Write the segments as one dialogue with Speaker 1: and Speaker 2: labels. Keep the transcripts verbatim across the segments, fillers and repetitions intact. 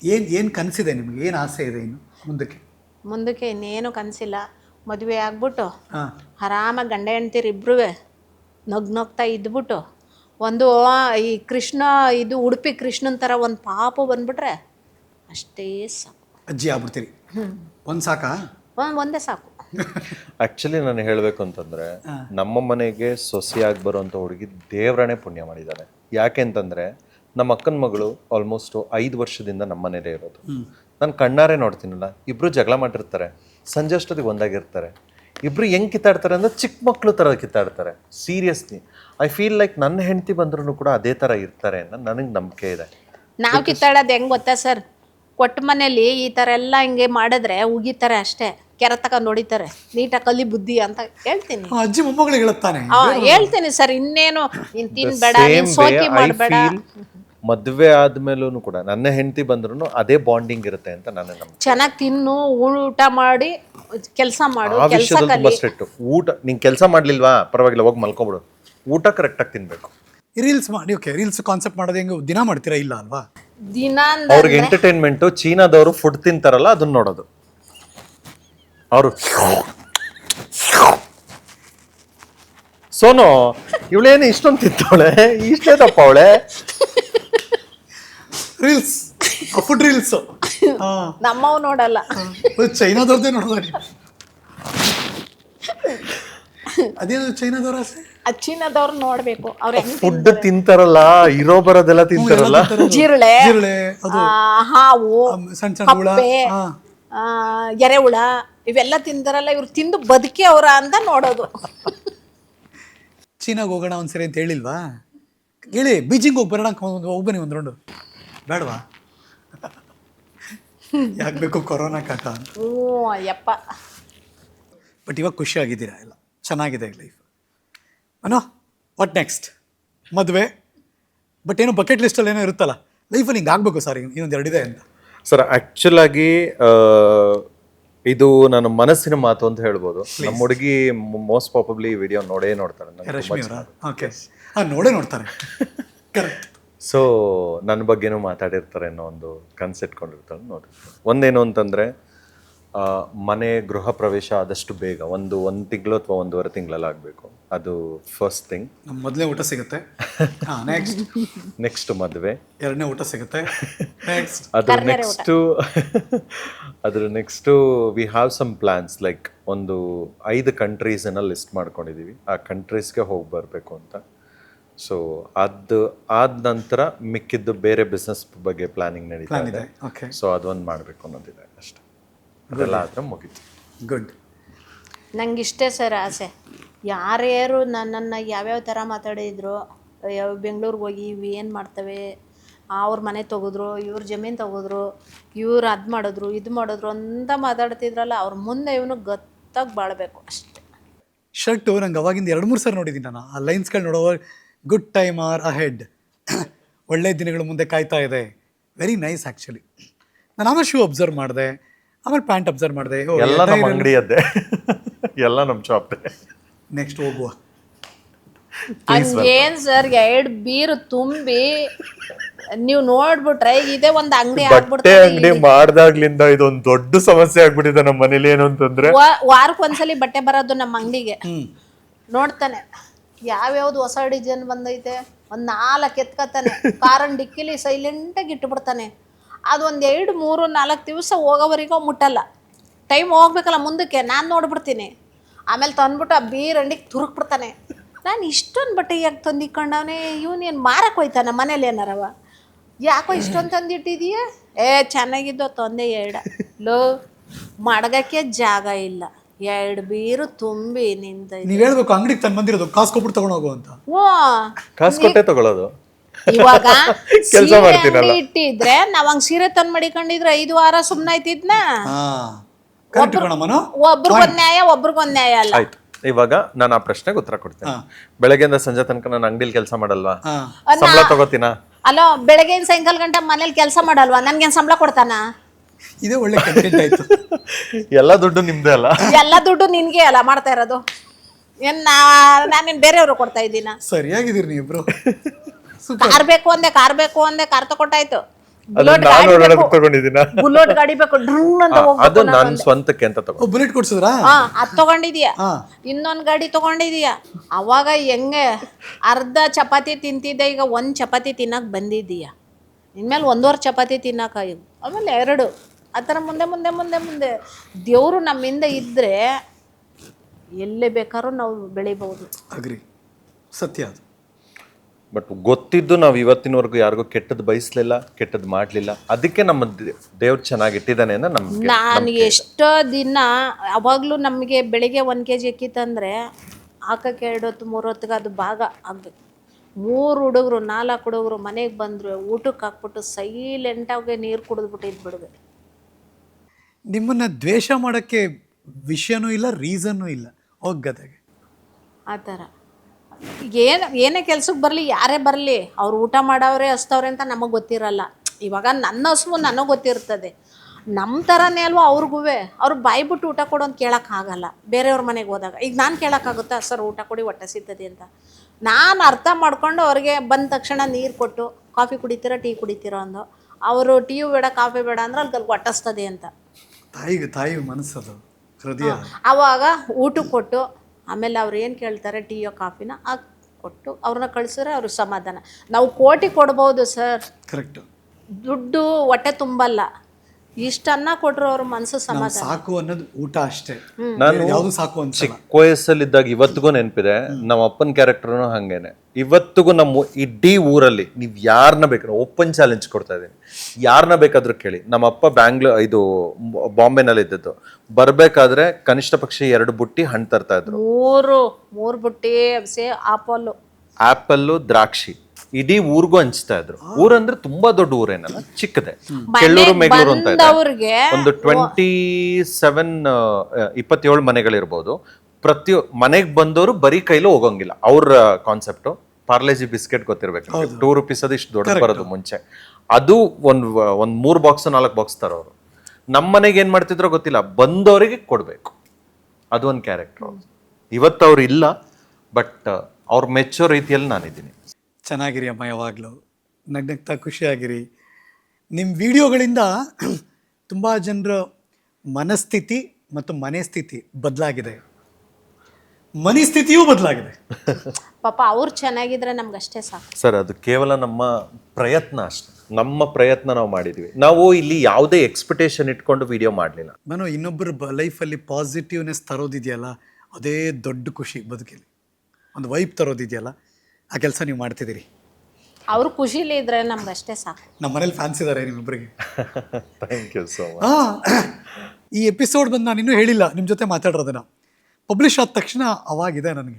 Speaker 1: ಏನು ಏನು ಕನಸಿದೆ ನಿಮಗೆ, ಏನು ಆಸೆ ಇದೆ ಇನ್ನು ಮುಂದಕ್ಕೆ?
Speaker 2: ಮುಂದಕ್ಕೆ ಇನ್ನೇನು ಕನಸಿಲ್ಲ. ಮದುವೆ ಆಗ್ಬಿಟ್ಟು
Speaker 1: ಹಾಂ
Speaker 2: ಆರಾಮಾಗಿ ಗಂಡ ಹೆಂಡ್ತಿರು ಇಬ್ಬರೂ ನಗ್ ನಗ್ತಾ ಇದ್ಬಿಟ್ಟು ಒಂದು ಈ ಕೃಷ್ಣ ಇದು ಉಡುಪಿ ಕೃಷ್ಣನ ಥರ ಒಂದು ಪಾಪ ಬಂದ್ಬಿಟ್ರೆ ಅಷ್ಟೇ ಸಾಕು.
Speaker 1: ಅಜ್ಜಿ ಆಗ್ಬಿಡ್ತೀರಿ. ಒಂದು ಸಾಕಾ?
Speaker 2: ಒಂದು ಒಂದೇ ಸಾಕು.
Speaker 3: ಆ್ಯಕ್ಚುಲಿ ನಾನು ಹೇಳಬೇಕು ಅಂತಂದರೆ ನಮ್ಮ ಮನೆಗೆ ಸೊಸೆಯಾಗಿ ಬರೋವಂಥ ಹುಡುಗಿ ದೇವ್ರನೇ ಪುಣ್ಯ ಮಾಡಿದ್ದಾನೆ. ಯಾಕೆ ಅಂತಂದರೆ ನಮ್ಮ ಅಕ್ಕನ ಮಗಳು ಆಲ್ಮೋಸ್ಟು ಐದು ವರ್ಷದಿಂದ ನಮ್ಮ ಮನೇಲೇ ಇರೋದು. ನಾನು ಕಣ್ಣಾರೆ ನೋಡ್ತೀನಲ್ಲ, ಇಬ್ಬರು ಜಗಳ ಮಾಡಿರ್ತಾರೆ, ಸಂಜೆ ಅಷ್ಟೊತ್ತಿಗೆ ಒಂದಾಗಿರ್ತಾರೆ. ಇಬ್ಬರು ಹೆಂಗೆ ಕಿತ್ತಾಡ್ತಾರೆ ಅಂದರೆ ಚಿಕ್ಕ ಮಕ್ಕಳು ಥರ ಕಿತ್ತಾಡ್ತಾರೆ. ಸೀರಿಯಸ್ಲಿ ಐ ಫೀಲ್ ಲೈಕ್ ನನ್ನ ಹೆಂಡತಿ ಬಂದ್ರೂ ಕೂಡ ಅದೇ ಥರ ಇರ್ತಾರೆ ಅನ್ನೋ ನನಗೆ ನಂಬಿಕೆ ಇದೆ.
Speaker 2: ನಾವು ಕಿತ್ತಾಡೋದು ಹೆಂಗೆ ಗೊತ್ತಾ ಸರ್, ಕೊಟ್ಟ ಮನೇಲಿ ಈ ಥರ ಎಲ್ಲ ಹಿಂಗೆ ಮಾಡಿದ್ರೆ ಉಗಿತಾರೆ ಅಷ್ಟೇ, ಕೆರೆ ತಗೊಂಡು ಹೊಡಿತಾರೆ, ನೀಟಾಗಿ ಕಲಿ ಬುದ್ಧಿ ಅಂತ ಹೇಳ್ತೀನಿ.
Speaker 1: ಅಜ್ಜಿ ಮೊಮ್ಮಗಳಿಗೆ ಹೇಳುತ್ತಾನೆ.
Speaker 2: ಹೇಳ್ತೀನಿ ಸರ್, ಇನ್ನೇನು ನೀನು ತಿನ್ಬೇಡ, ನೀನು ಸೋಕಿ ಮಾಡಬೇಡ.
Speaker 3: ಮದುವೆ ಆದ್ಮೇಲೂ ಕೂಡ ನನ್ನ ಹೆಂಡತಿ ಬಂದ್ರೂ ಅದೇ ಬಾಂಡಿಂಗ್ ಇರುತ್ತೆ ಅಂತ ನಾನು ನಂಬಿಕೆ.
Speaker 2: ಚೆನ್ನಾಗಿ ತಿನ್ನು, ಊಟ ಮಾಡಿ, ಕೆಲಸ ಮಾಡು,
Speaker 3: ಆ
Speaker 2: ಕೆಲಸ
Speaker 3: ವಿಷಯದಲ್ಲಿ
Speaker 2: ಕಲಿ.
Speaker 3: ತುಂಬಾ ಸ್ಟ್ರಿಕ್ಟ್. ಊಟ ನೀನು ಕೆಲಸ ಮಾಡ್ಲಿಲ್ವಾ ಪರವಾಗಿಲ್ಲ, ಹೋಗಿ ಮಲ್ಕೊಬಿಡು, ಊಟ ಕರೆಕ್ಟಾಗಿ ತಿನ್ಬೇಕು.
Speaker 1: ರೀಲ್ಸ್ ಮಾಡಿ. ಓಕೆ, ರೀಲ್ಸ್ ಕಾನ್ಸೆಪ್ಟ್ ಮಾಡೋದು ಹೆಂಗೆ ದಿನ ಮಾಡ್ತೀರಾ? ಇಲ್ಲ ಅಲ್ವಾ?
Speaker 2: ದಿನ
Speaker 3: ಅವ್ರಿಗೆ ಎಂಟರ್ಟೈನ್ಮೆಂಟು ಚೀನಾದವರು ಫುಡ್ ತಿಂತಾರಲ್ಲ ಅದನ್ನ ನೋಡೋದು. ಅವರು ಸೋನು ಇವಳೇನು ಇಷ್ಟೊಂದು ತಿಂತವಳೆ, ಇಷ್ಟೇ ತಪ್ಪ ಅವಳೆ.
Speaker 1: Reels, food reels.
Speaker 2: ನಮ್ಮವ್ ನೋಡಲ್ಲ,
Speaker 1: ಚೈನಾದವ್ರದ್ದೇ ನೋಡೋದು. ಅದೇನು ಚೈನಾದವ್ರ ಆಸೆ?
Speaker 2: ಅಚ್ಚಿನದವ್ರು ನೋಡ್ಬೇಕು ಅವ್ರು ಹೆಂಗ್
Speaker 3: ಫುಡ್ ತಿಂತಾರಲ್ಲ, ಇರೋ ಬರೋದೆಲ್ಲ ತಿಂತಾರಲ್ಲ.
Speaker 2: ಜಿರಳೆ,
Speaker 1: ಜಿರಳೆ, ಅದು
Speaker 2: ಆ, ಹಾವು,
Speaker 1: ಸಣ್ಣ ಸಣ್ಣ ಹುಳ,
Speaker 2: ಕಪ್ಪೆ, ಆ, ಎರೆಹುಳ ಇವೆಲ್ಲ ತಿಂತಾರಲ್ಲ, ಇವ್ರು ತಿಂದು ಬದುಕಿ ಅವ್ರ ಅಂತ ನೋಡೋದು.
Speaker 1: ಚೀನಾಗ ಹೋಗೋಣ ಒಂದ್ಸರಿ ಅಂತ ಹೇಳಿಲ್ವಾ? ಹೇಳಿ ಬೀಜಿಂಗ್ ಹೋಗಿ ಬರೋಣ, ಹೋಗ್ಬನ್ನಿ ಒಂದು ರೌಂಡು. ಬೇಡವಾ? ಯಾಕೆ ಬೇಕು ಕೊರೋನಾ ಕಾಟ?
Speaker 2: ಹ್ಞೂ ಯಪ್ಪ.
Speaker 1: ಬಟ್ ಇವಾಗ ಖುಷಿಯಾಗಿದ್ದೀರಾ? ಎಲ್ಲ ಚೆನ್ನಾಗಿದೆ ಲೈಫ್. ಅನೋ ವಾಟ್ ನೆಕ್ಸ್ಟ್? ಮದುವೆ. ಬಟ್ ಏನೋ ಬಕೆಟ್ ಲಿಸ್ಟಲ್ಲಿ ಏನೋ ಇರುತ್ತಲ್ಲ ಲೈಫಲ್ಲಿ, ಹಿಂಗೆ ಆಗಬೇಕು ಸರ್, ಇನ್ನೊಂದು ಎರಡಿದೆ ಅಂತ.
Speaker 3: ಸರ್ ಆ್ಯಕ್ಚುಲಾಗಿ ಇದು ನನ್ನ ಮನಸ್ಸಿನ ಮಾತು ಅಂತ ಹೇಳ್ಬೋದು. ನಮ್ಮ ಹುಡುಗಿ ಮೋಸ್ಟ್ ಪ್ರಾಬಬ್ಲಿ ಈ ವಿಡಿಯೋ ನೋಡೇ ನೋಡ್ತಾರೆ.
Speaker 1: ರಶ್ಮಿ ಅವರ? ಓಕೆ, ಹಾಂ, ನೋಡೇ ನೋಡ್ತಾರೆ. ಕರೆಕ್ಟ್.
Speaker 3: ಸೊ ನನ್ನ ಬಗ್ಗೆನೂ ಮಾತಾಡಿರ್ತಾರೆ ಅನ್ನೋ ಒಂದು ಕನ್ಸಿಟ್ಕೊಂಡಿರ್ತಾರೆ ನೋಡಿ. ಒಂದೇನು ಅಂತಂದರೆ ಮನೆ ಗೃಹ ಪ್ರವೇಶ ಆದಷ್ಟು ಬೇಗ, ಒಂದು ಒಂದು ತಿಂಗಳು ಅಥವಾ ಒಂದೂವರೆ ತಿಂಗಳಲ್ಲಿ ಆಗಬೇಕು. ಅದು ಫಸ್ಟ್ ಥಿಂಗ್.
Speaker 1: ನಮ್ಮ ಮೊದಲನೇ ಊಟ ಸಿಗುತ್ತೆ. ಹಾಂ, ನೆಕ್ಸ್ಟ್
Speaker 3: ನೆಕ್ಸ್ಟ್ ಮದುವೆ,
Speaker 1: ಎರಡನೇ ಊಟ ಸಿಗುತ್ತೆ. ನೆಕ್ಸ್ಟ್
Speaker 3: ಅದ್ರ ನೆಕ್ಸ್ಟು ಅದ್ರ next we have some plans, like ಒಂದು ಐದು ಕಂಟ್ರೀಸನ್ನು ಲಿಸ್ಟ್ ಮಾಡ್ಕೊಂಡಿದ್ದೀವಿ. ಆ ಕಂಟ್ರೀಸ್ಗೆ ಹೋಗಿ ಬರಬೇಕು ಅಂತ. ಸೊ ಅದು ಆದ ನಂತರ ಮಿಕ್ಕಿದ್ದು ಬೇರೆ ಬಿಸ್ನೆಸ್ ಬಗ್ಗೆ ಪ್ಲಾನಿಂಗ್ ನಡೀತಾ ಇದೆ.
Speaker 1: ಓಕೆ,
Speaker 3: ಸೊ ಅದೊಂದು ಮಾಡಬೇಕು ಅನ್ನೋದಿದೆ ಅಷ್ಟೇ. ಅದೆಲ್ಲ ಆದರೆ ಮುಗೀತು.
Speaker 1: ಗುಡ್.
Speaker 2: ನಂಗೆ ಇಷ್ಟೇ ಸರ್ ಆಸೆ. ಯಾರ್ಯಾರು ನನ್ನನ್ನು ಯಾವ್ಯಾವ ಥರ ಮಾತಾಡಿದ್ರು, ಯಾವ ಬೆಂಗ್ಳೂರಿಗೆ ಹೋಗಿ ಇವು ಏನು ಮಾಡ್ತವೆ, ಅವ್ರ ಮನೆ ತೊಗೋದ್ರು, ಇವ್ರ ಜಮೀನು ತೊಗೋದ್ರು, ಇವ್ರು ಅದು ಮಾಡಿದ್ರು, ಇದು ಮಾಡಿದ್ರು ಅಂತ ಮಾತಾಡ್ತಿದ್ರಲ್ಲ, ಅವ್ರ ಮುಂದೆ ಇವನು ಗತ್ತಾಗಿ ಬಾಳಬೇಕು ಅಷ್ಟೇ.
Speaker 1: ಶರ್ಟು ನಂಗೆ ಅವಾಗಿಂದ ಎರಡು ಮೂರು ಸರಿ ನೋಡಿದ್ದೀನಿ ನಾನು. ಆ ಲೈನ್ಸ್ಗಳು ನೋಡೋ, ಗುಡ್ ಟೈಮ್ ಆರ್ ಅಹೆಡ್, ಒಳ್ಳೆ ದಿನಗಳು ಮುಂದೆ ಕಾಯ್ತಾ ಇದೆ. Very nice actually. ನಾನು ಆಮೇಲೆ ಶೂ ಅಬ್ಸರ್ವ್ ಮಾಡಿದೆ, ಆಮೇಲೆ ಪ್ಯಾಂಟ್ ಅಬ್ಸರ್ವ್ ಮಾಡಿದೆ.
Speaker 3: ಎಲ್ಲ ನಮ್ಮ ಅಂಗಡಿಯದ್ದೇ, ಎಲ್ಲ ನಮ್ಮ ಶಾಪ್.
Speaker 1: ನೆಕ್ಸ್ಟ್ ಹೋಗುವ.
Speaker 2: ಹಂಗೇನು ಸರ್, ಎರಡು ಬೀರು ತುಂಬಿ ನೀವು ನೋಡ್ಬಿಟ್ರೆ ಇದೇ ಒಂದು ಅಂಗಡಿ
Speaker 3: ಬಟ್ಟೆ
Speaker 2: ಆಗ್ಬಿಡ್ತದೆ.
Speaker 3: ಅಂಗಡಿ ಮಾಡ್ದಾಗ್ಲಿಂದ ಇದೊಂದು ದೊಡ್ಡ ಸಮಸ್ಯೆ ಆಗ್ಬಿಟ್ಟಿದೆ ನಮ್ಮ ಮನೇಲಿ. ಏನು ಅಂತಂದ್ರೆ
Speaker 2: ವಾರಕ್ಕೆ ಒಂದ್ಸಲಿ ಬಟ್ಟೆ ಬರೋದು ನಮ್ಮ ಅಂಗಡಿಗೆ. ನೋಡ್ತಾನೆ ಯಾವ್ಯಾವ್ದು ಹೊಸ ಡಿಸೈನ್ ಬಂದೈತೆ, ಒಂದು ನಾಲ್ಕು ಎತ್ಕೊತಾನೆ, ಕಾರನ್ ಡಿಕ್ಕಿಲಿ ಸೈಲೆಂಟಾಗಿ ಇಟ್ಬಿಡ್ತಾನೆ. ಅದು ಒಂದು ಎರಡು ಮೂರು ನಾಲ್ಕು ದಿವಸ ಹೋಗೋವರೆಗೂ ಮುಟ್ಟಲ್ಲ. ಟೈಮ್ ಹೋಗ್ಬೇಕಲ್ಲ ಮುಂದಕ್ಕೆ, ನಾನು ನೋಡ್ಬಿಡ್ತೀನಿ. ಆಮೇಲೆ ತಂದ್ಬಿಟ್ಟು ಆ ಬೀರಂಡಿಗೆ ತುರುಕ್ಬಿಡ್ತಾನೆ. ನಾನು ಇಷ್ಟೊಂದು ಬಟ್ಟೆ ಯಾಕೆ ತಂದಿಕೊಂಡವನೇ, ಇವನೇನು ಮಾರಕ್ಕೆ ಹೋಯ್ತಾನ ಮನೇಲಿ ಏನಾರವ, ಯಾಕೋ ಇಷ್ಟೊಂದು ತಂದಿಟ್ಟಿದೀಯ? ಏ ಚೆನ್ನಾಗಿದ್ದೋ ತಂದೆ ಎರಡು ಲೋ, ಮಡಗಕ್ಕೆ ಜಾಗ ಇಲ್ಲ, ಎರಡು ಬೀರು ತುಂಬಿ ನಿಂತ.
Speaker 1: ನೀವು ಹೇಳ್ಬೇಕು ಅಂಗಡಿಗೆ ತಂದು ಬಂದಿರೋದು, ಕಾಸು ಕೊಟ್ಬಿಟ್ಟು ತಗೊಂಡು ಹೋಗು ಅಂತ.
Speaker 2: ಓ,
Speaker 3: ಕಾಸು ಕೊಟ್ಟೆ ತಗೊಳ್ಳೋದು.
Speaker 2: ಇವಾಗ
Speaker 3: ಕೆಲಸ ಮಾಡ್ತೀನಲ್ಲ,
Speaker 2: ಇಟ್ಟಿದ್ರೆ ನಾವ್ ಹಂಗ್ ಸೀರೆ ತಂದ್ ಮಡಿಕೊಂಡಿದ್ರೆ ಐದು ವಾರ ಸುಮ್ನೆ ಆಯ್ತಿದ್ನ. ಒಬ್ರಿಗೊಂದ್ ನ್ಯಾಯ, ಒಬ್ರಿಗೊಂದ್ ನ್ಯಾಯ ಅಲ್ಲ.
Speaker 3: ಆಯ್ತು, ಇವಾಗ ನಾನು ಆ ಪ್ರಶ್ನೆಗೆ ಉತ್ತರ ಕೊಡ್ತೇನೆ. ಬೆಳಗ್ಗೆಯಿಂದ ಸಂಜೆ ತನಕ ನಾನು ಅಂಗಡಿಲಿ ಕೆಲಸ ಮಾಡಲ್ವಾ? ಸಂಬಳ ತಗೋತೀನಾ?
Speaker 2: ಅಲ್ಲ, ಬೆಳಗ್ಗೆ ಸಾಯಂಕಾಲ ಗಂಟೆ ಮನೇಲಿ ಕೆಲಸ ಮಾಡಲ್ವಾ? ನನ್ಗೇನ್ ಸಂಬಳ ಕೊಡ್ತಾನ?
Speaker 1: ಇದೇ ಒಳ್ಳೆ ಕಂಟೆಂಟ್ ಆಯ್ತು.
Speaker 3: ಎಲ್ಲ ದುಡ್ಡು ನಿಮ್ದೇ ಅಲ್ಲ?
Speaker 2: ಎಲ್ಲ ದುಡ್ಡು ನಿನ್ಗೆ ಅಲ್ಲ ಮಾಡ್ತಾ ಇರೋದು. ಏನ್ ನಾನೇನ್ ಬೇರೆಯವ್ರು ಕೊಡ್ತಾ ಇದ್ದೀನ?
Speaker 1: ಸರಿಯಾಗಿದ್ದೀರಿ ನೀವು ಇಬ್ರು.
Speaker 2: ಕಾರ್ ಬೇಕು ಅಂದೆ, ಕಾರ್ ಬೇಕು ಅಂದೆ, ಕಾರ್ ತಗೊಟ್ಟಾಯ್ತು. ಬುಲೆಟ್
Speaker 3: ನಾನು
Speaker 2: ಗಾಡಿ
Speaker 3: ಓಡಾಡೋದಕ್ಕೆ
Speaker 2: ಬೇಕು
Speaker 3: ತಗೊಂಡಿದ್ದೀನ
Speaker 2: ಬುಲೆಟ್ ಗಾಡಿ ಬೇಕು ಡ್ರಮ್ ಅಂತ
Speaker 3: ಅದು
Speaker 2: ಹೋಗ್ಬೇಕು
Speaker 3: ನನ್ನ ಸ್ವಂತಕ್ಕೆ ಅಂತ ತಗೊಂಡು
Speaker 1: ಬುಲೆಟ್ ಕೊಡ್ಸಿದ್ರಾ?
Speaker 2: ಹಾ ಅದ್ ತಗೊಂಡಿದ್ಯಾ
Speaker 1: ಹಾ.
Speaker 2: ಇನ್ನೊಂದ್ ಗಾಡಿ ತಗೊಂಡಿದ್ಯಾ ಅವಾಗ ಹೆಂಗೆ ಅರ್ಧ ಚಪಾತಿ ತಿಂತಿದ್ದೆ, ಈಗ ಒಂದ್ ಚಪಾತಿ ತಿನ್ನಕ್ ಬಂದಿದ್ದೀಯ, ಇನ್ಮೇಲೆ ಒಂದೂವರೆ ಚಪಾತಿ ತಿನ್ನಕ, ಆಮೇಲೆ ಎರಡು, ಆ ಥರ ಮುಂದೆ ಮುಂದೆ ಮುಂದೆ ಮುಂದೆ ದೇವರು ನಮ್ಮಿಂದ ಇದ್ರೆ ಎಲ್ಲೇ ಬೇಕಾದ್ರೂ ನಾವು ಬೆಳಿಬಹುದು.
Speaker 1: ಅಗ್ರಿ, ಸತ್ಯ ಅದು.
Speaker 3: ಬಟ್ ಗೊತ್ತಿದ್ದು ನಾವು ಇವತ್ತಿನವರೆಗೂ ಯಾರಿಗೂ ಕೆಟ್ಟದ್ದು ಬಯಸ್ಲಿಲ್ಲ, ಕೆಟ್ಟದ್ದು ಮಾಡಲಿಲ್ಲ. ಅದಕ್ಕೆ ನಮ್ಮ ದೇವ್ರು ಚೆನ್ನಾಗಿ ಇಟ್ಟಿದ್ದಾನೆ ಅನ್ನೋ ನಮ್ಗೆ
Speaker 2: ನಾನು ಎಷ್ಟೋ ದಿನ ಅವಾಗಲೂ ನಮಗೆ ಬೆಳಿಗ್ಗೆ ಒಂದು ಕೆ ಜಿ ಅಕ್ಕಿ ತಂದರೆ ಹಾಕಕ್ಕೆ ಎರಡು ಹೊತ್ತು ಮೂರು ಹೊತ್ತಿಗೆ ಅದು ಭಾಗ ಆಗಬೇಕು. ಮೂರು ಹುಡುಗರು ನಾಲ್ಕು ಹುಡುಗರು ಮನೆಗೆ ಬಂದರು, ಊಟಕ್ಕೆ ಹಾಕ್ಬಿಟ್ಟು ಸೈಲೆಂಟಾಗಿ ನೀರು ಕುಡಿದ್ಬಿಟ್ಟು ಇದ್ಬಿಡ್ಬೇಕು.
Speaker 1: ನಿಮ್ಮನ್ನ ದ್ವೇಷ ಮಾಡೋಕ್ಕೆ ವಿಷಯನೂ ಇಲ್ಲ, ರೀಸನ್ನೂ ಇಲ್ಲ, ಹೋಗದಾಗೆ
Speaker 2: ಆ ಥರ ಏನು ಏನೇ ಕೆಲ್ಸಕ್ಕೆ ಬರಲಿ, ಯಾರೇ ಬರಲಿ, ಅವ್ರು ಊಟ ಮಾಡವ್ರೆ ಹಸ್ತವ್ರೆ ಅಂತ ನಮಗೆ ಗೊತ್ತಿರಲ್ಲ. ಇವಾಗ ನನ್ನ ಹಸುವು ನನಗೆ ಗೊತ್ತಿರ್ತದೆ, ನಮ್ಮ ಥರನೇ ಅಲ್ವಾ ಅವ್ರಿಗೂ. ಅವ್ರು ಬಾಯಿ ಬಿಟ್ಟು ಊಟ ಕೊಡು ಅಂತ ಕೇಳೋಕ್ಕಾಗಲ್ಲ ಬೇರೆಯವ್ರ ಮನೆಗೆ ಹೋದಾಗ. ಈಗ ನಾನು ಕೇಳೋಕ್ಕಾಗುತ್ತಾ ಸರ್ ಊಟ ಕೊಡಿ ಹೊಟ್ಟೆ ಸಿಗ್ತದೆ ಅಂತ? ನಾನು ಅರ್ಥ ಮಾಡ್ಕೊಂಡು ಅವ್ರಿಗೆ ಬಂದ ತಕ್ಷಣ ನೀರು ಕೊಟ್ಟು ಕಾಫಿ ಕುಡಿತೀರಾ ಟೀ ಕುಡಿತೀರಾ ಅಂದು, ಅವರು ಟೀ ಬೇಡ ಕಾಫಿ ಬೇಡ ಅಂದ್ರೆ ಅಲ್ಲಿ ಹೊಟ್ಟಸ್ತದೆ ಅಂತ.
Speaker 1: ತಾಯಿಗೆ ತಾಯಿ ಮನಸ್ಸದು, ಹೃದಯ.
Speaker 2: ಆವಾಗ ಊಟಕ್ಕೆ ಕೊಟ್ಟು ಆಮೇಲೆ ಅವ್ರು ಏನು ಕೇಳ್ತಾರೆ ಟೀಯೋ ಕಾಫಿನ ಆಗ ಕೊಟ್ಟು ಅವ್ರನ್ನ ಕಳಿಸಿದ್ರೆ ಅವ್ರಿಗೆ ಸಮಾಧಾನ. ನಾವು ಕೋಟಿ ಕೊಡ್ಬೋದು ಸರ್,
Speaker 1: ಕರೆಕ್ಟ್,
Speaker 2: ದುಡ್ಡು ಹೊಟ್ಟೆ ತುಂಬಲ್ಲ. ಇಷ್ಟನ್ನ ಕೊಟ್ಟರು ಅವ್ರ ಮನಸ್ಸು ಸಮಾಧಾನ.
Speaker 1: ಸಾಕು ಅನ್ನೋದು ಊಟ ಅಷ್ಟೇ,
Speaker 3: ನಾನು
Speaker 1: ಯಾವುದು ಸಾಕು ಅಂತ.
Speaker 3: ಚಿಕ್ಕ ವಯಸ್ಸಲ್ಲಿದ್ದಾಗ ಇವತ್ತಿಗೂ ನೆನಪಿದೆ, ನಮ್ಮ ಅಪ್ಪನ ಕ್ಯಾರೆಕ್ಟರ್ನು ಹಂಗೇನೆ. ಇವತ್ತಿಗೂ ನಮ್ಮ ಇಡೀ ಊರಲ್ಲಿ ನೀವು ಯಾರನ್ನ ಬೇಕಾದ್ರೆ ಓಪನ್ ಚಾಲೆಂಜ್ ಕೊಡ್ತಾ ಇದ್ದೀನಿ, ಯಾರನ್ನ ಬೇಕಾದ್ರೂ ಕೇಳಿ. ನಮ್ಮ ಅಪ್ಪ ಬ್ಯಾಂಗ್ಳೂರ್ ಇದು ಬಾಂಬೆನಲ್ಲಿ ಇದ್ದದ್ದು, ಬರಬೇಕಾದ್ರೆ ಕನಿಷ್ಠ ಪಕ್ಷ ಎರಡು ಬುಟ್ಟಿ ಹಣ್ಣು ತರ್ತಾ ಇದ್ರು.
Speaker 2: ಮೂರು ಮೂರು ಬುಟ್ಟಿ ಸೇ ಆಪಲ್ಲು
Speaker 3: ಆಪಲ್ಲು ದ್ರಾಕ್ಷಿ ಇಡೀ ಊರ್ಗೂ ಹಂಚ್ತಾ ಇದ್ರು. ಊರಂದ್ರೆ ತುಂಬಾ ದೊಡ್ಡ ಊರೇನಲ್ಲ, ಚಿಕ್ಕದೆ, ಕೆಳ್ಳೂರು ಮೇಗಳೂರು ಅಂತ ಇದೆ.
Speaker 2: ಅವ್ರಿಗೆ
Speaker 3: ಒಂದು ಟ್ವೆಂಟಿ ಸೆವೆನ್ ಇಪ್ಪತ್ತೇಳು ಮನೆಗಳಿರ್ಬೋದು. ಪ್ರತಿ ಮನೆಗೆ ಬಂದವರು ಬರೀ ಕೈಲೂ ಹೋಗಂಗಿಲ್ಲ. ಅವ್ರ ಕಾನ್ಸೆಪ್ಟು ಪಾರ್ಲೇಜಿ ಬಿಸ್ಕೆಟ್ ಗೊತ್ತಿರ್ಬೇಕು, ಟೂ ರುಪೀಸ್ ಅದು ಇಷ್ಟು ದೊಡ್ಡ ಬರೋದು ಮುಂಚೆ. ಅದು ಒಂದ್ ಒಂದ್ ಮೂರ್ ಬಾಕ್ಸ್ ನಾಲ್ಕು ಬಾಕ್ಸ್ ತರೋರು. ನಮ್ಮ ಮನೆಗೆ ಏನ್ ಮಾಡ್ತಿದ್ರೋ ಗೊತ್ತಿಲ್ಲ, ಬಂದವರಿಗೆ ಕೊಡ್ಬೇಕು. ಅದು ಒಂದು ಕ್ಯಾರೆಕ್ಟರ್. ಇವತ್ತು ಅವ್ರು ಇಲ್ಲ, ಬಟ್ ಅವ್ರ ಮೆಚ್ಚೋ ರೀತಿಯಲ್ಲಿ ನಾನಿದ್ದೀನಿ.
Speaker 1: ಚೆನ್ನಾಗಿರಿ ಅಮ್ಮ, ಯಾವಾಗಲೂ ನಗ್ನಗ್ತಾ ಖುಷಿಯಾಗಿರಿ. ನಿಮ್ಮ ವಿಡಿಯೋಗಳಿಂದ ತುಂಬ ಜನರ ಮನಸ್ಥಿತಿ ಮತ್ತು ಮನೆ ಸ್ಥಿತಿ ಬದಲಾಗಿದೆ, ಮನಸ್ಥಿತಿಯೂ ಬದಲಾಗಿದೆ.
Speaker 2: ಪಾಪ ಅವ್ರು ಚೆನ್ನಾಗಿದ್ರೆ ನಮ್ಗಷ್ಟೇ ಸಾಕು
Speaker 3: ಸರ್. ಅದು ಕೇವಲ ನಮ್ಮ ಪ್ರಯತ್ನ ಅಷ್ಟೆ, ನಮ್ಮ ಪ್ರಯತ್ನ ನಾವು ಮಾಡಿದ್ವಿ. ನಾವು ಇಲ್ಲಿ ಯಾವುದೇ ಎಕ್ಸ್ಪೆಕ್ಟೇಷನ್ ಇಟ್ಕೊಂಡು ವಿಡಿಯೋ ಮಾಡಲಿಲ್ಲ.
Speaker 1: ನಾನು ಇನ್ನೊಬ್ಬರ ಬ ಲೈಫಲ್ಲಿ ಪಾಸಿಟಿವ್ನೆಸ್ ತರೋದಿದೆಯಲ್ಲ, ಅದೇ ದೊಡ್ಡ ಖುಷಿ ಬದುಕಲ್ಲಿ. ಒಂದು ವೈಬ್ ತರೋದಿದೆಯಲ್ಲ, ಆ ಕೆಲಸ ನೀವು ಮಾಡ್ತಿದ್ದೀರಿ.
Speaker 2: ಅವ್ರು ಖುಷಿಲಿ ಇದ್ರೆ ನಮ್ಗಷ್ಟೇ ಸಾಕು.
Speaker 1: ನಮ್ಮ ಮನೇಲಿ ಫ್ಯಾನ್ಸ್ ಇದ್ದಾರೆ ನಿಮ್ಮಿಬ್ಬರಿಗೆ.
Speaker 3: Thank you so much.
Speaker 1: ಹಾಂ, ಈ ಎಪಿಸೋಡ್ ಬಂದು ನಾನು ಇನ್ನೂ ಹೇಳಿಲ್ಲ ನಿಮ್ಮ ಜೊತೆ ಮಾತಾಡೋದನ್ನ. ಪಬ್ಲಿಷ್ ಆದ ತಕ್ಷಣ ಅವಾಗಿದೆ ನನಗೆ,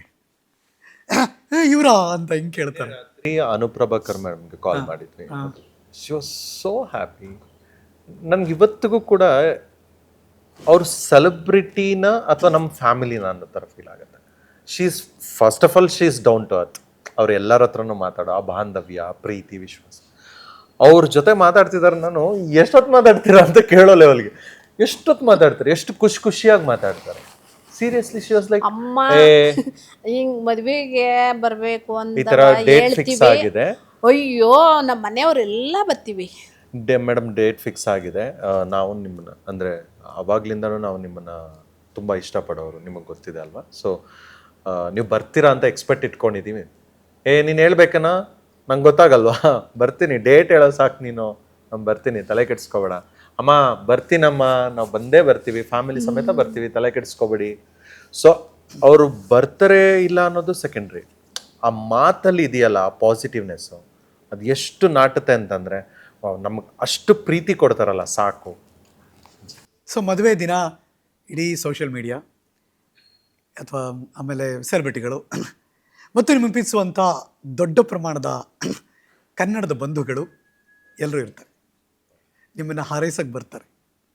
Speaker 1: ಇವರಾ ಅಂತ ಹಿಂಗೆ ಕೇಳ್ತಾರೆ.
Speaker 3: ಅನುಪ್ರಭಾಕರ್ ಮೇಡಮ್ಗೆ ಕಾಲ್ ಮಾಡಿದ್ವಿ. She was so happy. ನನ್ಗೆ ಇವತ್ತಿಗೂ ಕೂಡ ಅವ್ರ ಸೆಲೆಬ್ರಿಟಿನ ಅಥವಾ ನಮ್ಮ ಫ್ಯಾಮಿಲಿನ ಅನ್ನೋ ಥರ ಫೀಲ್ ಆಗುತ್ತೆ. She is first of all she is down to earth. ಅವ್ರು ಎಲ್ಲರ ಹತ್ರನೂ ಮಾತಾಡೋ ಆ ಬಾಂಧವ್ಯ, ಪ್ರೀತಿ, ವಿಶ್ವಾಸ. ಅವ್ರ ಜೊತೆ ಮಾತಾಡ್ತಿದ್ದಾರೆ. ನಾನು ಎಷ್ಟೊತ್ತು ಮಾತಾಡ್ತೀರಾ ಅಂತ ಕೇಳೋ ಲೆವೆಲ್ಗೆ ಎಷ್ಟೊತ್ತು ಮಾತಾಡ್ತಾರೆ, ಎಷ್ಟು ಖುಷಿ ಖುಷಿಯಾಗಿ ಮಾತಾಡ್ತಾರೆ. ಸೀರಿಯಸ್ಲಿ ಶಿ ವಾಸ್ ಲೈಕ್,
Speaker 2: ಅಮ್ಮ ಹಿಂಗ್ ಮದ್ವೆಗೆ ಬರ್ಬೇಕು ಅಂತ
Speaker 3: ಈ ತರ ಡೇಟ್ ಫಿಕ್ಸ್ ಆಗಿದೆ.
Speaker 2: ಅಯ್ಯೋ ನಮ್ಮ ಮನೆಯವರೆಲ್ಲ ಬರ್ತೀವಿ.
Speaker 3: ಡೇ ಮೇಡಮ್ ಡೇಟ್ ಫಿಕ್ಸ್ ಆಗಿದೆ. ನಾವು ನಿಮ್ಮನ್ನ ಅಂದರೆ ಅವಾಗ್ಲಿಂದನೂ ನಾವು ನಿಮ್ಮನ್ನ ತುಂಬ ಇಷ್ಟಪಡೋರು, ನಿಮಗೆ ಗೊತ್ತಿದೆ ಅಲ್ವಾ. ಸೊ ನೀವು ಬರ್ತೀರಾ ಅಂತ ಎಕ್ಸ್ಪೆಕ್ಟ್ ಇಟ್ಕೊಂಡಿದ್ದೀವಿ. ಏ ನೀನು ಹೇಳ್ಬೇಕನ, ನಂಗೆ ಗೊತ್ತಾಗಲ್ವಾ, ಬರ್ತೀನಿ, ಡೇಟ್ ಹೇಳೋ ಸಾಕು ನೀನು, ನಾನು ಬರ್ತೀನಿ, ತಲೆ ಕೆಡಿಸ್ಕೋಬೇಡ. ಅಮ್ಮ ಬರ್ತೀನಮ್ಮ, ನಾವು ಬಂದೇ ಬರ್ತೀವಿ, ಫ್ಯಾಮಿಲಿ ಸಮೇತ ಬರ್ತೀವಿ, ತಲೆ ಕೆಡಿಸ್ಕೋಬೇಡಿ. ಸೊ ಅವರು ಬರ್ತಾರೆ ಇಲ್ಲ ಅನ್ನೋದು ಸೆಕೆಂಡ್ರಿ. ಆ ಮಾತಲ್ಲಿ ಇದೆಯಲ್ಲ ಆ ಪಾಸಿಟಿವ್ನೆಸ್ಸು, ಅದು ಎಷ್ಟು ನಾಟುತ್ತೆ ಅಂತಂದರೆ ನಮಗೆ ಅಷ್ಟು ಪ್ರೀತಿ ಕೊಡ್ತಾರಲ್ಲ, ಸಾಕು.
Speaker 1: ಸೊ ಮದುವೆ ದಿನ ಇಡೀ ಸೋಷಿಯಲ್ ಮೀಡಿಯಾ ಅಥವಾ ಆಮೇಲೆ ಸೆಲೆಬ್ರಿಟಿಗಳು ಮತ್ತು ನಿಮಗೆ ಪ್ರೀತಿಸುವಂಥ ದೊಡ್ಡ ಪ್ರಮಾಣದ ಕನ್ನಡದ ಬಂಧುಗಳು ಎಲ್ಲರೂ ಇರ್ತಾರೆ, ನಿಮ್ಮನ್ನು ಹಾರೈಸಕ್ಕೆ ಬರ್ತಾರೆ.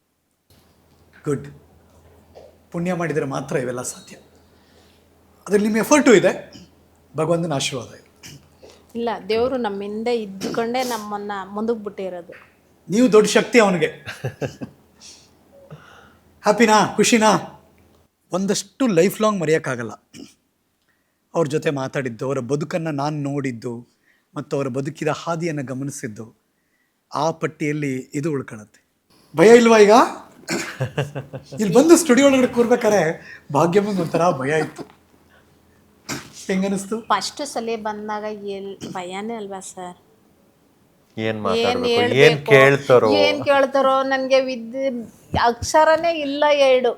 Speaker 1: ಗುಡ್. ಪುಣ್ಯ ಮಾಡಿದರೆ ಮಾತ್ರ ಇವೆಲ್ಲ ಸಾಧ್ಯ. ಅದ್ರಲ್ಲಿ ನಿಮ್ಮ ಎಫರ್ಟು ಇದೆ, ಭಗವಂತನ ಆಶೀರ್ವಾದ ಇದೆ.
Speaker 2: ಇಲ್ಲ, ದೇವರು ನಮ್ಮಿಂದ ಇದ್ದುಕೊಂಡೇ ನಮ್ಮನ್ನು ಮುಂದಕ್ಕೆ ಬಿಟ್ಟಿರೋದು.
Speaker 1: ನೀವು ದೊಡ್ಡ ಶಕ್ತಿ ಅವನಿಗೆ. ಹ್ಯಾಪಿನಾ, ಖುಷಿನಾ? ಒಂದಷ್ಟು ಲೈಫ್ ಲಾಂಗ್ ಮರೆಯೋಕ್ಕಾಗಲ್ಲ. ಅವ್ರ ಜೊತೆ ಮಾತಾಡಿದ್ದು, ಅವರ ಬದುಕನ್ನು ನಾನು ನೋಡಿದ್ದು ಮತ್ತು ಅವರ ಬದುಕಿದ ಹಾದಿಯನ್ನು ಗಮನಿಸಿದ್ದು, ಆ ಪಟ್ಟಿಯಲ್ಲಿ ಇದು ಉಳ್ಕೊಳ್ಳುತ್ತೆ. ಭಯ ಇಲ್ವಾ ಈಗ? ಇಲ್ಲಿ ಬಂದು ಸ್ಟುಡಿಯೋ ಒಳಗಡೆ ಕೂರ್ಬೇಕಾರೆ ಭಾಗ್ಯಮ್ಮಂಗೆ ಒಂಥರ ಭಯ ಇತ್ತು. ಹೆಂಗನಿಸ್ತು?
Speaker 2: ಫಸ್ಟ್ ಸಲ ಬಂದಾಗ ಎಲ್ ಭಯನೇ ಅಲ್ವಾ ಸರ್?
Speaker 3: ಏನ್
Speaker 2: ಏನ್
Speaker 3: ಮಾತಾಡ್ಬೇಕು, ಏನ್
Speaker 2: ಹೇಳ್ಬೇಕು,
Speaker 3: ಕೇಳ್ತಾರೋ
Speaker 2: ಏನ್ ಕೇಳ್ತಾರೋ ನನಗೆ ವಿದ್ಯೆ ಅಕ್ಷರನೇ ಇಲ್ಲ. ಎರಡು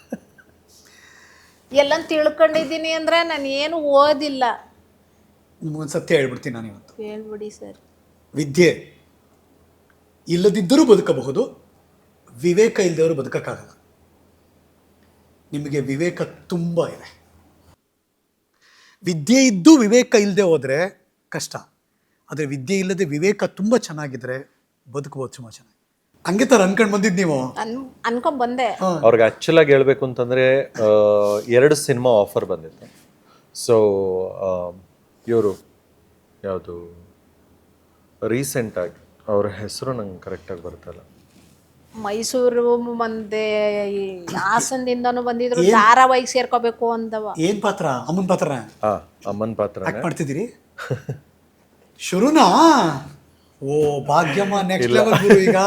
Speaker 2: ಎಲ್ಲ ತಿಳ್ಕೊಂಡಿದ್ದೀನಿ ಅಂದ್ರೆ ನಾನು ಏನು ಓದಿಲ್ಲ.
Speaker 1: ನಿಮ್ಗೊಂದು ಸತ್ಯ ಹೇಳ್ಬಿಡ್ತೀನಿ ನಾನು ಇವತ್ತು.
Speaker 2: ಹೇಳ್ಬಿಡಿ ಸರ್.
Speaker 1: ವಿದ್ಯೆ ಇಲ್ಲದಿದ್ದರೂ ಬದುಕಬಹುದು, ವಿವೇಕ ಇಲ್ಲದವರು ಬದುಕಕ್ಕಾಗಲ್ಲ. ನಿಮಗೆ ವಿವೇಕ ತುಂಬ ಇದೆ. ವಿದ್ಯೆ ಇದ್ದು ವಿವೇಕ ಇಲ್ಲದೆ ಹೋದರೆ ಕಷ್ಟ. ಆದರೆ ವಿದ್ಯೆ ಇಲ್ಲದೆ ವಿವೇಕ ತುಂಬ ಚೆನ್ನಾಗಿದ್ರೆ ಬದುಕಬಹುದು ತುಂಬ ಚೆನ್ನಾಗಿ. ಹಂಗೆ ಥರ ಅನ್ಕೊಂಡು ಬಂದಿದ್ದು ನೀವು?
Speaker 2: ಅನ್ ಅನ್ಕೊಂಡ್ ಬಂದೆ.
Speaker 3: ಅವ್ರಿಗೆ ಆ್ಯಕ್ಚುಲ್ ಆಗಿ ಹೇಳ್ಬೇಕು ಅಂತಂದರೆ ಎರಡು ಸಿನಿಮಾ ಆಫರ್ ಬಂದಿತ್ತು. ಸೊ ಇವರು ಯಾವುದು ರೀಸೆಂಟಾಗಿ ಅವ್ರ ಹೆಸರು ನಂಗೆ ಕರೆಕ್ಟಾಗಿ ಬರ್ತಲ್ಲ.
Speaker 2: ಮೈಸೂರು ಬಂದೆ, ಹಾಸನದಿಂದನೂ ಬಂದಿದ್ರು. ಧಾರಾವಾಹಿಗೆ ಸೇರ್ಕೋಬೇಕು ಅಂದವ.
Speaker 1: ಏನು ಪಾತ್ರ? ಅಮ್ಮನ ಪಾತ್ರ?
Speaker 3: ಹಾಂ, ಅಮ್ಮನ ಪಾತ್ರ
Speaker 1: ಆ್ಯಕ್ಟ್ ಮಾಡ್ತಿದ್ದೀರಿ? ಶುರುನಾ? ಓ ಭಾಗ್ಯಮ್ಮ ನೆಕ್ಸ್ಟ್ ಲೆವೆಲ್ ಗುರು ಈಗ.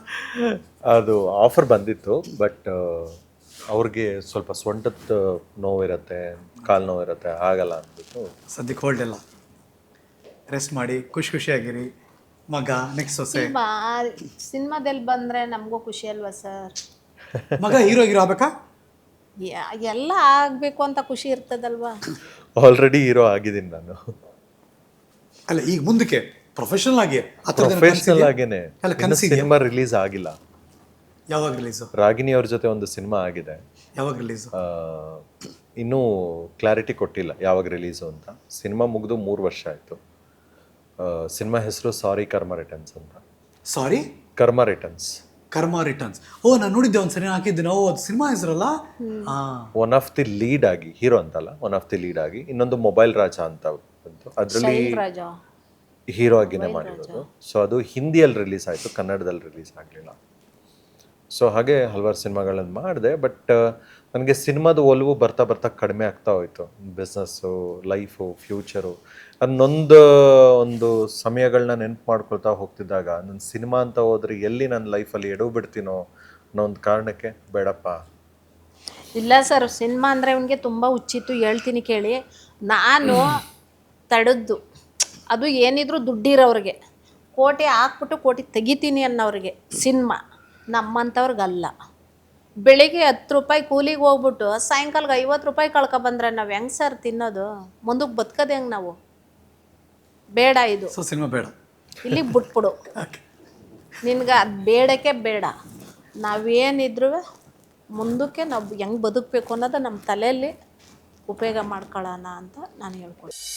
Speaker 3: ಅದು ಆಫರ್ ಬಂದಿತ್ತು, ಬಟ್ ಅವ್ರಿಗೆ ಸ್ವಲ್ಪ ಸೊಂಟದ ನೋವಿರುತ್ತೆ, ಕಾಲು ನೋವಿರುತ್ತೆ, ಆಗಲ್ಲ ಅಂದ್ಬಿಟ್ಟು
Speaker 1: ಸದ್ಯಕ್ಕೆ ಹೋಲ್ಡ್ ಎಲ್ಲ ರೆಸ್ಟ್ ಮಾಡಿ ಖುಷಿ ಖುಷಿಯಾಗಿರಿ. ಮಗ ನೆಕ್ಸ್ಟ್ ಸೊಸೆ.
Speaker 2: ಸಿನಿಮಾದಲ್ಲಿ ಬಂದ್ರೆ ನಮಗೂ ಖುಷಿ ಅಲ್ವಾ ಸರ್?
Speaker 1: ಮಗ ಹೀರೋ ಹೀರೋ ಆಗ್ಬೇಕಾ?
Speaker 2: ಎಲ್ಲ ಆಗ್ಬೇಕು ಅಂತ ಖುಷಿ ಇರ್ತದಲ್ವಾ?
Speaker 3: ಆಲ್ರೆಡಿ ಹೀರೋ ಆಗಿದ್ದೀನಿ ನಾನು.
Speaker 1: ಅಲ್ಲ ಈಗ ಮುಂದಕ್ಕೆ ಪ್ರೊಫೆಷನಲ್ ಆಗಿ
Speaker 3: ಪ್ರೊಫೆಷನಲ್ ಆಗೇನೆ.
Speaker 1: ಅಲ್ಲ ಕನಸಿಗೆ
Speaker 3: ಸಿನಿಮಾ ರಿಲೀಸ್ ಆಗಿಲ್ಲ.
Speaker 1: ಯಾವಾಗ ರಿಲೀಸು?
Speaker 3: ರಾಗಿಣಿ ಅವ್ರ ಜೊತೆ ಒಂದು ಸಿನಿಮಾ ಆಗಿದೆ.
Speaker 1: ಯಾವಾಗ ರಿಲೀಸು?
Speaker 3: ಇನ್ನೂ ಕ್ಲಾರಿಟಿ ಕೊಟ್ಟಿಲ್ಲ ಯಾವಾಗ ರಿಲೀಸು ಅಂತ. ಸಿನಿಮಾ ಮುಗಿದು ಮೂರು ವರ್ಷ ಆಯಿತು. ಸಿನಿಮಾ ಹೆಸರು ಸಾರಿ ಕರ್ಮ ರಿಟರ್ನ್ಸ್ ಅಂತ.
Speaker 1: ಸಾರಿ
Speaker 3: ಕರ್ಮ ರಿಟರ್ನ್ಸ್.
Speaker 1: ಕರ್ಮ ರಿಟರ್ನ್ಸ್. ಓ ನಾನು ನೋಡಿದ್ದೆ ಒಂದು ಸರಿ ಹಾಕಿದ್ದೆ ನಾವು. ಅದು ಸಿನಿಮಾ ಹೆಸರಲ್ಲ?
Speaker 3: ಒನ್ ಆಫ್ ದಿ ಲೀಡ್ ಆಗಿ, ಹೀರೋ ಅಂತಲ್ಲ, ಒನ್ ಆಫ್ ದಿ ಲೀಡ್ ಆಗಿ. ಇನ್ನೊಂದು ಮೊಬೈಲ್ ರಾಜ ಅಂತ ಬಂತು, ಅದರಲ್ಲಿ ಹೀರೋ ಆಗಿನೇ ಮಾಡಿರೋದು. ಸೊ ಅದು ಹಿಂದಿಯಲ್ಲಿ ರಿಲೀಸ್ ಆಯಿತು, ಕನ್ನಡದಲ್ಲಿ ರಿಲೀಸ್ ಆಗಲಿಲ್ಲ. ಸೊ ಹಾಗೆ ಹಲವಾರು ಸಿನಿಮಾಗಳನ್ನು ಮಾಡಿದೆ. ಬಟ್ ನನಗೆ ಸಿನಿಮಾದ ಒಲವು ಬರ್ತಾ ಬರ್ತಾ ಕಡಿಮೆ ಆಗ್ತಾ ಹೋಯಿತು. ಬಿಸ್ನೆಸ್ಸು, ಲೈಫು, ಫ್ಯೂಚರು ಅನ್ನೊಂದು ಒಂದು ಸಮಯಗಳನ್ನ ನೆನಪು ಮಾಡ್ಕೊಳ್ತಾ ಹೋಗ್ತಿದ್ದಾಗ ನನ್ನ ಸಿನಿಮಾ ಅಂತ ಹೋದ್ರೆ ಎಲ್ಲಿ ನನ್ನ ಲೈಫಲ್ಲಿ ಎಡವು ಬಿಡ್ತೀನೋ ಅನ್ನೋ ಒಂದು ಕಾರಣಕ್ಕೆ ಬೇಡಪ್ಪ.
Speaker 2: ಇಲ್ಲ ಸರ್, ಸಿನಿಮಾ ಅಂದರೆ ಅವನಿಗೆ ತುಂಬ ಹುಚ್ಚಿತ್ತು. ಹೇಳ್ತೀನಿ ಕೇಳಿ, ನಾನು ತಡೆದ್ದು ಅದು ಏನಿದ್ರು ದುಡ್ಡಿರೋರಿಗೆ, ಕೋಟಿ ಹಾಕ್ಬಿಟ್ಟು ಕೋಟಿ ತೆಗಿತೀನಿ ಅನ್ನೋರಿಗೆ ಸಿನಿಮಾ. ನಮ್ಮಂಥವ್ರಿಗಲ್ಲ. ಬೆಳಿಗ್ಗೆ ಹತ್ತು ರೂಪಾಯಿ ಕೂಲಿಗೆ ಹೋಗ್ಬಿಟ್ಟು ಸಾಯಂಕಾಲಕ್ಕೆ ಐವತ್ತು ರೂಪಾಯಿ ಕಳ್ಕೊಬಂದ್ರೆ ನಾವು ಹೆಂಗೆ ಸರ್ ತಿನ್ನೋದು? ಮುಂದಕ್ಕೆ ಬದುಕೋದು ಹೆಂಗೆ ನಾವು? ಬೇಡ ಇದು.
Speaker 1: ಸೊ ಸಿನಿಮಾ ಬೇಡ,
Speaker 2: ಇಲ್ಲಿಗೆ ಬಿಟ್ಬಿಡು. ನಿನ್ಗೆ ಅದು ಬೇಡಕ್ಕೆ ಬೇಡ. ನಾವೇನಿದ್ರು ಮುಂದಕ್ಕೆ ನಾವು ಹೆಂಗೆ ಬದುಕಬೇಕು ಅನ್ನೋದು ನಮ್ಮ ತಲೆಯಲ್ಲಿ ಉಪಯೋಗ ಮಾಡ್ಕೊಳ್ಳೋಣ ಅಂತ ನಾನು ಹೇಳ್ಕೊಳ್ತೀನಿ.